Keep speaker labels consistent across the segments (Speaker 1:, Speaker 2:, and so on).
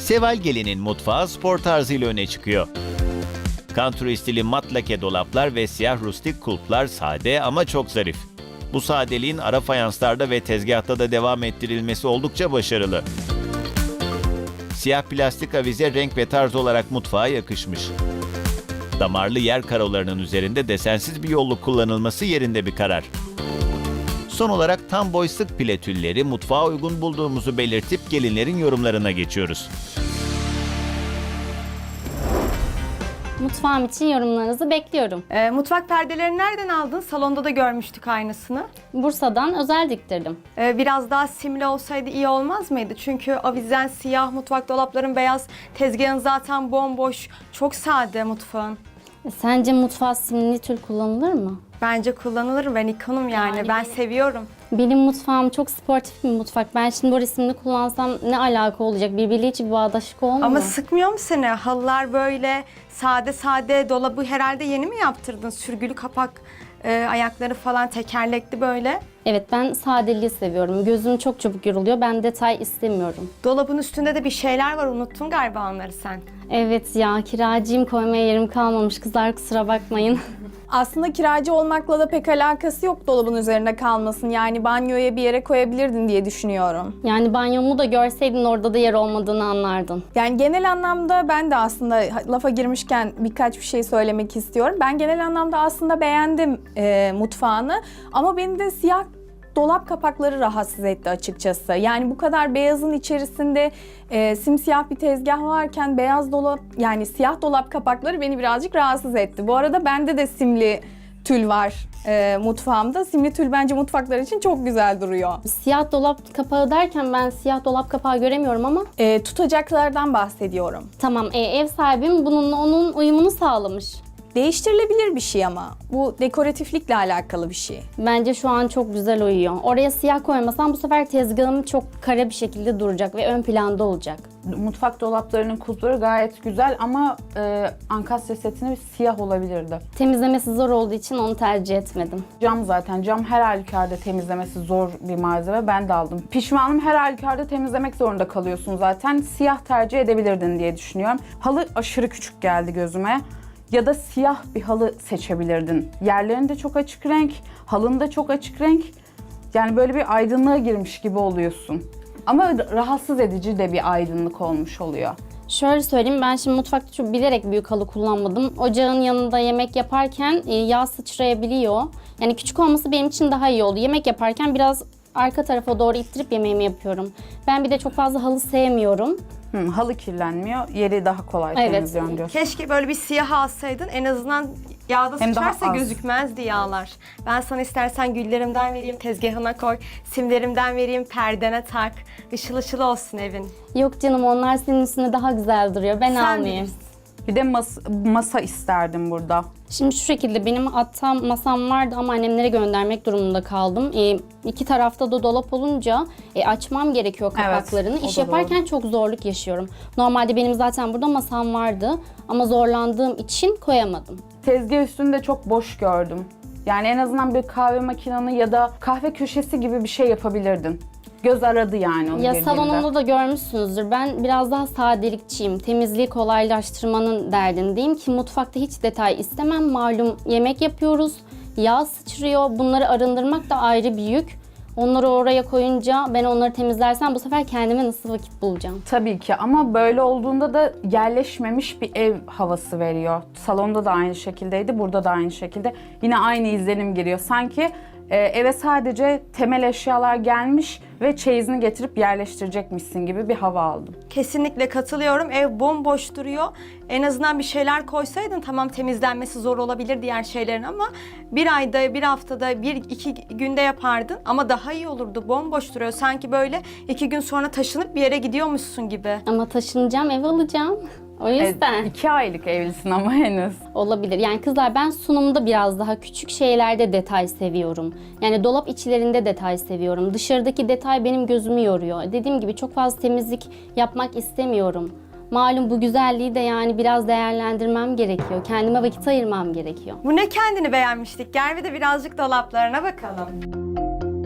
Speaker 1: Seval Gelin'in mutfağı spor tarzıyla öne çıkıyor. Country stili mat lake dolaplar ve siyah rustik kulplar sade ama çok zarif. Bu sadeliğin ara fayanslarda ve tezgahta da devam ettirilmesi oldukça başarılı. Siyah plastik avize renk ve tarz olarak mutfağa yakışmış. Damarlı yer karolarının üzerinde desensiz bir yolluk kullanılması yerinde bir karar. Son olarak tam boy sık pile tülleri mutfağa uygun bulduğumuzu belirtip gelinlerin yorumlarına geçiyoruz.
Speaker 2: Mutfağım için yorumlarınızı bekliyorum.
Speaker 3: Mutfak perdelerini nereden aldın? Salonda da görmüştük aynısını.
Speaker 2: Bursa'dan özel diktirdim.
Speaker 3: Biraz daha simli olsaydı iyi olmaz mıydı? Çünkü avizen siyah, mutfak dolapların beyaz, tezgahın zaten bomboş. Çok sade mutfağın.
Speaker 2: Sence mutfağa simli tül kullanılır mı?
Speaker 3: Bence kullanılır. Ben ikonum yani. Ben seviyorum.
Speaker 2: Benim mutfağım çok sportif bir mutfak. Ben şimdi bu resimli kullansam ne alaka olacak? Birbiriyle hiç bir bağdaşık olmuyor.
Speaker 3: Ama sıkmıyor mu seni? Halılar böyle sade sade, dolabı herhalde yeni mi yaptırdın? Sürgülü kapak, ayakları falan tekerlekli böyle.
Speaker 2: Evet, ben sadeliği seviyorum. Gözüm çok çabuk yoruluyor. Ben detay istemiyorum.
Speaker 3: Dolabın üstünde de bir şeyler var. Unuttun galiba onları sen.
Speaker 2: Evet ya, kiracıyım, koymaya yerim kalmamış. Kızlar kusura bakmayın.
Speaker 4: Aslında kiracı olmakla da pek alakası yok dolabın üzerinde kalmasın. Yani banyoya bir yere koyabilirdin diye düşünüyorum.
Speaker 2: Yani banyomu da görseydin orada da yer olmadığını anlardın.
Speaker 4: Yani genel anlamda ben de aslında lafa girmişken birkaç bir şey söylemek istiyorum. Ben genel anlamda aslında beğendim mutfağını ama beni de siyah dolap kapakları rahatsız etti açıkçası. Yani bu kadar beyazın içerisinde simsiyah bir tezgah varken beyaz dolap, yani siyah dolap kapakları beni birazcık rahatsız etti. Bu arada bende de simli tül var mutfağımda. Simli tül bence mutfaklar için çok güzel duruyor.
Speaker 2: Siyah dolap kapağı derken ben siyah dolap kapağı göremiyorum ama
Speaker 4: Tutacaklardan bahsediyorum.
Speaker 2: tamam, ev sahibim bununla onun uyumunu sağlamış.
Speaker 4: Değiştirilebilir bir şey ama. Bu dekoratiflikle alakalı bir şey.
Speaker 2: Bence şu an çok güzel uyuyor. Oraya siyah koymasam bu sefer tezgahım çok kare bir şekilde duracak ve ön planda olacak.
Speaker 5: Mutfak dolaplarının kulpları gayet güzel ama ankastre setini siyah olabilirdi.
Speaker 2: Temizlemesi zor olduğu için onu tercih etmedim.
Speaker 5: Cam zaten. Cam her halükarda temizlemesi zor bir malzeme. Ben de aldım. Pişmanım, her halükarda temizlemek zorunda kalıyorsun zaten. Siyah tercih edebilirdin diye düşünüyorum. Halı aşırı küçük geldi gözüme. Ya da siyah bir halı seçebilirdin. Yerlerin de çok açık renk, halın da çok açık renk. Yani böyle bir aydınlığa girmiş gibi oluyorsun. Ama rahatsız edici de bir aydınlık olmuş oluyor.
Speaker 2: Şöyle söyleyeyim, ben şimdi mutfakta çok bilerek büyük halı kullanmadım. Ocağın yanında yemek yaparken yağ sıçrayabiliyor. Yani küçük olması benim için daha iyi oldu. Yemek yaparken biraz arka tarafa doğru ittirip yemeğimi yapıyorum. Ben bir de çok fazla halı sevmiyorum.
Speaker 5: Halı kirlenmiyor, yeri daha kolay
Speaker 2: Evet.
Speaker 5: temizliyorsun diyorsun.
Speaker 3: Keşke böyle bir siyah alsaydın. En azından yağda
Speaker 5: Hem daha
Speaker 3: sıçarsa
Speaker 5: az.
Speaker 3: gözükmezdi yağlar. Ben sana istersen güllerimden vereyim, tezgahına koy. Simlerimden vereyim, perdene tak. Işıl ışıl olsun evin.
Speaker 2: Yok canım, onlar senin üstünde daha güzel duruyor. Ben
Speaker 3: Sen
Speaker 2: almayayım.
Speaker 3: bilirsin.
Speaker 5: Bir de masa isterdim burada.
Speaker 2: Şimdi şu şekilde benim hatta masam vardı ama annemlere göndermek durumunda kaldım. İki tarafta da dolap olunca açmam gerekiyor kapaklarını.
Speaker 5: Evet, o
Speaker 2: İş
Speaker 5: da
Speaker 2: yaparken çok zorluk yaşıyorum. Normalde benim zaten burada masam vardı ama zorlandığım için koyamadım.
Speaker 5: Tezgah üstünde çok boş gördüm. Yani en azından bir kahve makinanı ya da kahve köşesi gibi bir şey yapabilirdin. Göz aradı yani onu
Speaker 2: Ya
Speaker 5: girdiğimde.
Speaker 2: salonumda da görmüşsünüzdür. Ben biraz daha sadelikçiyim. Temizliği kolaylaştırmanın derdindeyim ki mutfakta hiç detay istemem. Malum yemek yapıyoruz. Yağ sıçrıyor. Bunları arındırmak da ayrı bir yük. Onları oraya koyunca ben onları temizlersem bu sefer kendime nasıl vakit bulacağım?
Speaker 5: Tabii ki ama böyle olduğunda da yerleşmemiş bir ev havası veriyor. Salonda da aynı şekildeydi, burada da aynı şekilde. Yine aynı izlenim giriyor. Sanki eve sadece temel eşyalar gelmiş ve çeyizini getirip yerleştirecekmişsin gibi bir hava aldım.
Speaker 3: Kesinlikle katılıyorum. Ev bomboş duruyor. En azından bir şeyler koysaydın, tamam temizlenmesi zor olabilir diğer şeylerin ama bir ayda, bir haftada, bir iki günde yapardın ama daha iyi olurdu. Bomboş duruyor. Sanki böyle 2 gün sonra taşınıp bir yere gidiyormuşsun gibi.
Speaker 2: Ama taşınacağım, ev alacağım. O yüzden
Speaker 5: 2 aylık evlisin ama henüz.
Speaker 2: olabilir. Yani kızlar, ben sunumda biraz daha küçük şeylerde detay seviyorum. Yani dolap içlerinde detay seviyorum. Dışarıdaki detay benim gözümü yoruyor. Dediğim gibi çok fazla temizlik yapmak istemiyorum. Malum bu güzelliği de yani biraz değerlendirmem gerekiyor. Kendime vakit ayırmam gerekiyor.
Speaker 3: Bu ne kendini beğenmiştik? Gel bir de birazcık dolaplarına bakalım.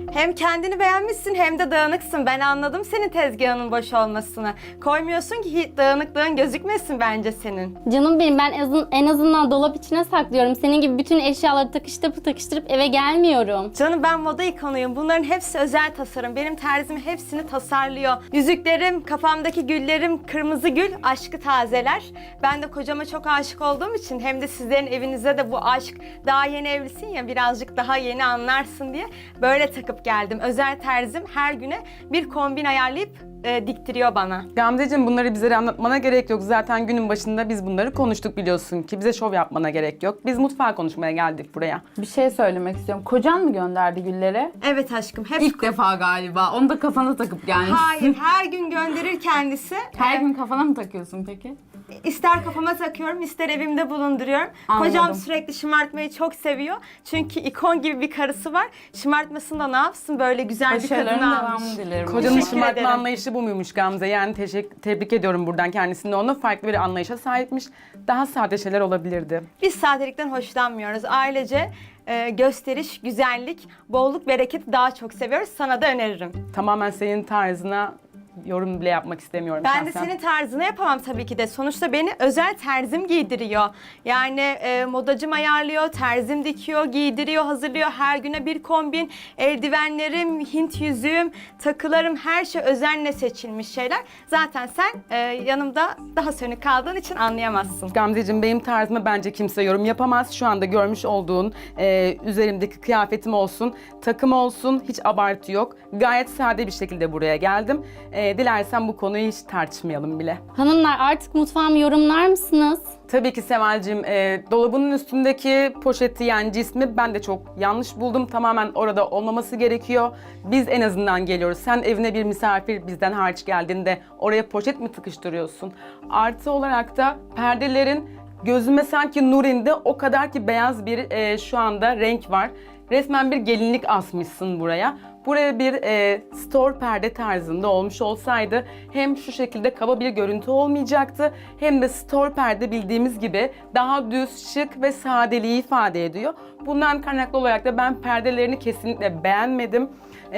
Speaker 3: Hem kendini beğenmişsin hem de dağınıksın. Ben anladım senin tezgahının boş olmasını. Koymuyorsun ki hiç dağınıklığın gözükmesin bence senin.
Speaker 2: Canım benim, ben en azından dolap içine saklıyorum. Senin gibi bütün eşyaları takıştırıp eve gelmiyorum.
Speaker 3: Canım ben moda ikonuyum. Bunların hepsi özel tasarım. Benim terzim hepsini tasarlıyor. Yüzüklerim, kafamdaki güllerim, kırmızı gül aşkı tazeler. Ben de kocama çok aşık olduğum için hem de sizlerin evinize de bu aşk, daha yeni evlisin ya, birazcık daha yeni anlarsın diye böyle takıp geldim. Özel terzim her güne bir kombin ayarlayıp diktiriyor bana.
Speaker 6: Gamzeciğim, bunları bize anlatmana gerek yok. Zaten günün başında biz bunları konuştuk, biliyorsun ki. Bize şov yapmana gerek yok. Biz mutfağı konuşmaya geldik buraya.
Speaker 5: Bir şey söylemek istiyorum. Kocan mı gönderdi gülleri?
Speaker 3: Evet aşkım, hep
Speaker 5: İlk defa galiba. Onu da kafana takıp gelmişsin.
Speaker 3: Hayır, her gün gönderir kendisi.
Speaker 5: Her gün kafana mı takıyorsun peki?
Speaker 3: İster kafama takıyorum, ister evimde bulunduruyorum.
Speaker 5: Anladım.
Speaker 3: Kocam sürekli şımartmayı çok seviyor. Çünkü ikon gibi bir karısı var. Şımartmasını da ne yapsın, böyle güzel bir
Speaker 5: Başarıların
Speaker 3: kadını almış.
Speaker 5: devamını dilerim.
Speaker 6: Kocanın
Speaker 3: Teşekkür
Speaker 6: şımartma
Speaker 3: ederim.
Speaker 6: anlayışı bu muymuş Gamze? Yani tebrik ediyorum buradan kendisini. Onu farklı bir anlayışa sahipmiş. Daha sade şeyler olabilirdi.
Speaker 3: Biz sadelikten hoşlanmıyoruz. Ailece gösteriş, güzellik, bolluk, bereketi daha çok seviyoruz. Sana da öneririm.
Speaker 6: Tamamen senin tarzına yorum bile yapmak istemiyorum
Speaker 3: Ben de
Speaker 6: şahsen.
Speaker 3: senin tarzını yapamam tabii ki de. Sonuçta beni özel terzim giydiriyor. Yani modacım ayarlıyor, terzim dikiyor, giydiriyor, hazırlıyor. Her güne bir kombin, eldivenlerim, Hint yüzüğüm, takılarım, her şey özenle seçilmiş şeyler. Zaten sen yanımda daha sönük kaldığın için anlayamazsın.
Speaker 6: Gamzeciğim, benim tarzıma bence kimse yorum yapamaz. Şu anda görmüş olduğun üzerimdeki kıyafetim olsun, takım olsun, hiç abartı yok. Gayet sade bir şekilde buraya geldim. Dilersen bu konuyu hiç tartışmayalım bile.
Speaker 2: Hanımlar, artık mutfağımı yorumlar mısınız?
Speaker 6: Tabii ki Seval'cim, dolabının üstündeki poşeti, yani cismi ben de çok yanlış buldum. Tamamen orada olmaması gerekiyor. Biz en azından geliyoruz. Sen evine bir misafir bizden hariç geldiğinde oraya poşet mi tıkıştırıyorsun? Artı olarak da perdelerin gözüme sanki nur indi. O kadar ki beyaz bir şu anda renk var. Resmen bir gelinlik asmışsın buraya. Buraya bir store perde tarzında olmuş olsaydı hem şu şekilde kaba bir görüntü olmayacaktı, hem de store perde bildiğimiz gibi daha düz, şık ve sadeliği ifade ediyor. Bundan kaynaklı olarak da ben perdelerini kesinlikle beğenmedim.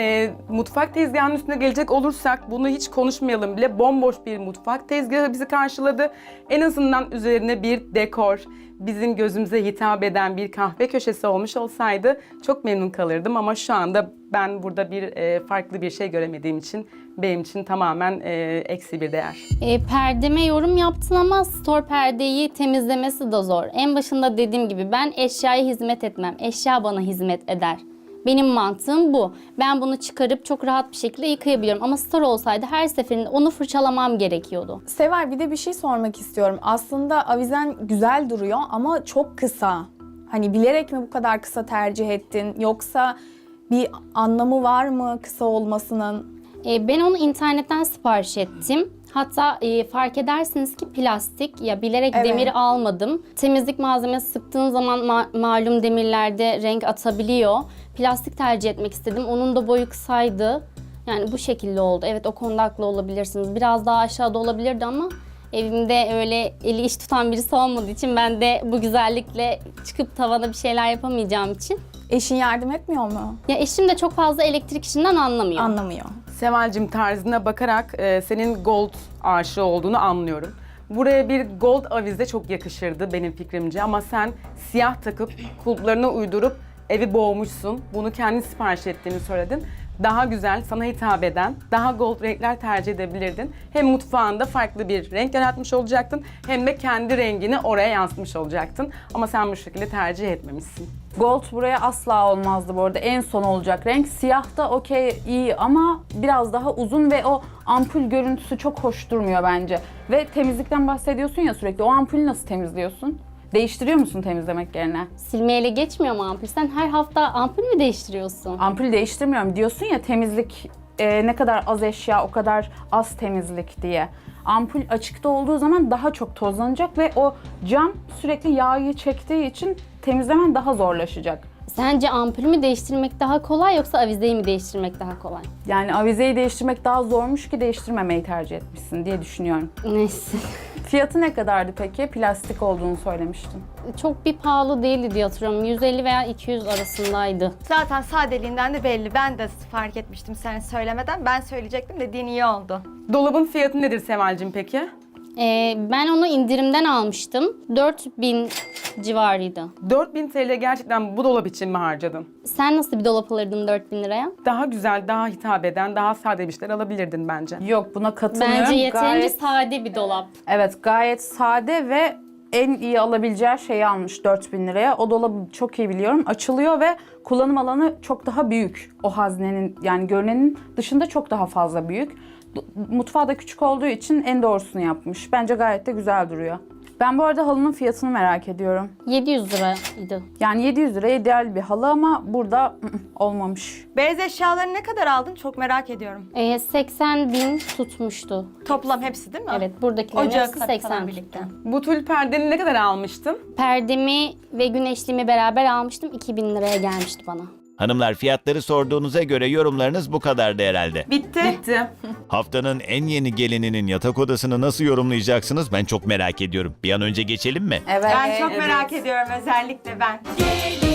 Speaker 6: Mutfak tezgahının üstüne gelecek olursak bunu hiç konuşmayalım bile. Bomboş bir mutfak tezgahı bizi karşıladı. En azından üzerine bir dekor, bizim gözümüze hitap eden bir kahve köşesi olmuş olsaydı çok memnun kalırdım. Ama şu anda ben burada bir farklı bir şey göremediğim için benim için tamamen eksi bir değer.
Speaker 2: Perdeme yorum yaptın ama store perdeyi temizlemesi de zor. En başında dediğim gibi ben eşyaya hizmet etmem. Eşya bana hizmet eder. Benim mantığım bu. Ben bunu çıkarıp çok rahat bir şekilde yıkayabiliyorum. Ama store olsaydı her seferinde onu fırçalamam gerekiyordu.
Speaker 4: Sever, bir de bir şey sormak istiyorum. Aslında avizen güzel duruyor ama çok kısa. Hani bilerek mi bu kadar kısa tercih ettin? Yoksa bir anlamı var mı kısa olmasının?
Speaker 2: Ben onu internetten sipariş ettim. Hatta fark edersiniz ki plastik, ya bilerek
Speaker 4: Evet.
Speaker 2: demiri almadım. Temizlik malzemesi sıktığın zaman malum demirlerde renk atabiliyor. Plastik tercih etmek istedim. Onun da boyu kısaydı. Yani bu şekilde oldu. Evet, o konuda haklı olabilirsiniz. Biraz daha aşağıda olabilirdi ama evimde öyle eli iş tutan birisi olmadığı için ben de bu güzellikle çıkıp tavana bir şeyler yapamayacağım için.
Speaker 4: Eşin yardım etmiyor mu?
Speaker 2: Ya eşim de çok fazla elektrik işinden anlamıyor.
Speaker 4: Anlamıyor.
Speaker 6: Seval'cim, tarzına bakarak senin gold aşığı olduğunu anlıyorum. Buraya bir gold avize çok yakışırdı benim fikrimce, ama sen siyah takıp kulplarına uydurup evi boğmuşsun. Bunu kendin sipariş ettiğini söyledin. Daha güzel, sana hitap eden, daha gold renkler tercih edebilirdin. Hem mutfağında farklı bir renk yaratmış olacaktın, hem de kendi rengini oraya yansıtmış olacaktın. Ama sen bu şekilde tercih etmemişsin.
Speaker 5: Gold buraya asla olmazdı bu arada. En son olacak renk. Siyah da okey, iyi ama biraz daha uzun ve o ampul görüntüsü çok hoş durmuyor bence. Ve temizlikten bahsediyorsun ya sürekli. O ampulü nasıl temizliyorsun? Değiştiriyor musun temizlemek yerine?
Speaker 2: Silmeyle geçmiyor mu ampul? Sen her hafta ampul mü değiştiriyorsun?
Speaker 5: Ampul değiştirmiyorum. Diyorsun ya temizlik ne kadar az eşya o kadar az temizlik diye. Ampul açıkta olduğu zaman daha çok tozlanacak ve o cam sürekli yağı çektiği için temizlemen daha zorlaşacak.
Speaker 2: Sence ampulü mü değiştirmek daha kolay yoksa avizeyi mi değiştirmek daha kolay?
Speaker 5: Yani avizeyi değiştirmek daha zormuş ki değiştirmemeyi tercih etmişsin diye düşünüyorum.
Speaker 2: Neyse.
Speaker 5: Fiyatı ne kadardı peki? Plastik olduğunu söylemiştin.
Speaker 2: Çok bir pahalı değildi diye hatırlıyorum. 150 veya 200 arasındaydı.
Speaker 3: Zaten sadeliğinden de belli. Ben de fark etmiştim sen söylemeden. Ben söyleyecektim, dediğin iyi oldu.
Speaker 6: Dolabın fiyatı nedir Seval'cim peki?
Speaker 2: Ben onu indirimden almıştım. 4000 civarıydı.
Speaker 6: 4000 TL gerçekten bu dolap için mi harcadın?
Speaker 2: Sen nasıl bir dolap alırdın 4000 liraya?
Speaker 6: Daha güzel, daha hitap eden, daha sade bir şeyler alabilirdin bence.
Speaker 5: Yok, buna katılmıyorum.
Speaker 2: Bence yeterince
Speaker 5: Gayet-
Speaker 2: sade bir dolap.
Speaker 5: Evet, gayet sade ve en iyi alabileceği şeyi almış 4000 liraya. O dolabı çok iyi biliyorum. Açılıyor ve kullanım alanı çok daha büyük. O haznenin yani görünenin dışında çok daha fazla büyük. Mutfağı da küçük olduğu için en doğrusunu yapmış. Bence gayet de güzel duruyor. Ben bu arada halının fiyatını merak ediyorum.
Speaker 2: 700 liraydı.
Speaker 5: Yani 700 liraya ideal bir halı ama burada olmamış.
Speaker 3: Beyaz eşyaları ne kadar aldın? Çok merak ediyorum.
Speaker 2: 80 bin tutmuştu.
Speaker 3: Toplam hepsi değil mi?
Speaker 2: Evet, buradakilerin
Speaker 3: Ocağı
Speaker 2: hepsi
Speaker 3: katı
Speaker 2: 80
Speaker 3: falan
Speaker 2: tuttu.
Speaker 3: birlikte.
Speaker 6: Bu tül perdeni ne kadar almıştın?
Speaker 2: Perdemi ve güneşliğimi beraber almıştım. 2000 liraya gelmişti bana.
Speaker 1: Hanımlar, fiyatları sorduğunuza göre yorumlarınız bu kadardı herhalde.
Speaker 3: Bitti.
Speaker 6: Bitti.
Speaker 1: Haftanın en yeni gelininin yatak odasını nasıl yorumlayacaksınız ben çok merak ediyorum. Bir an önce geçelim mi?
Speaker 5: Evet.
Speaker 3: Ben çok merak ediyorum, özellikle ben.